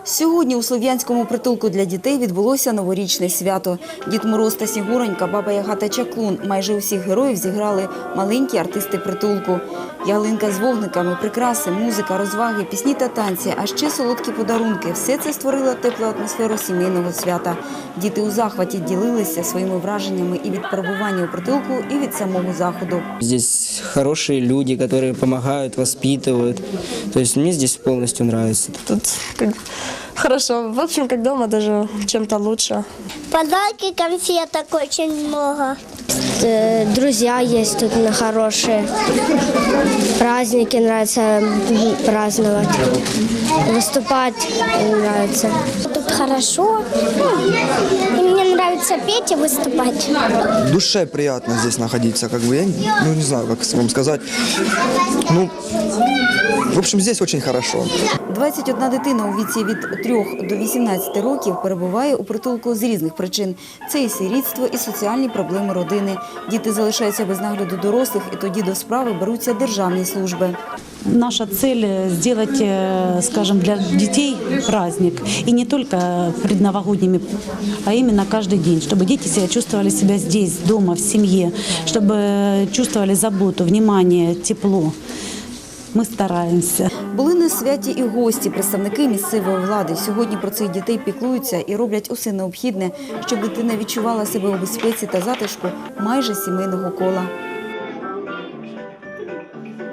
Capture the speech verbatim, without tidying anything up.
Сьогодні у Слов'янському притулку для дітей відбулося новорічне свято. Дід Мороз та Снігуронька, Баба Яга та Чаклун – майже усіх героїв зіграли маленькі артисти притулку. Ялинка з вогниками, прикраси, музика, розваги, пісні та танці, а ще солодкі подарунки – все це створило теплу атмосферу сімейного свята. Діти у захваті ділилися своїми враженнями і від перебування у притулку, і від самого заходу. Здесь хорошие люди, которые помогают, воспитывают. То есть мне здесь полностью нравится. Тут как хорошо. В общем, как дома, даже чем-то лучше. Подарки, конфеток очень много. Друзья есть тут хорошие. Праздники нравится праздновать. Выступать нравится. Тут хорошо. И мне нравится петь и выступать. Душе приятно здесь находиться, как бы, я ну, не знаю, как вам сказать. Ну, в общем, здесь очень хорошо. двадцять одна дитина у віці від трьох до вісімнадцяти років перебуває у притулку з різних причин. Це і сирітство, і соціальні проблеми родини. Діти залишаються без нагляду дорослих, і тоді до справи беруться державні служби. Наша цель – сделать, скажем, для детей праздник. И не только предновогодними, а именно каждый день. Чтобы дети себя чувствовали себя здесь, дома, в семье. Чтобы чувствовали заботу, внимание, тепло. Ми стараємося. Були на святі і гості, представники місцевої влади. Сьогодні про цих дітей піклуються і роблять усе необхідне, щоб дитина відчувала себе у безпеці та затишку майже сімейного кола.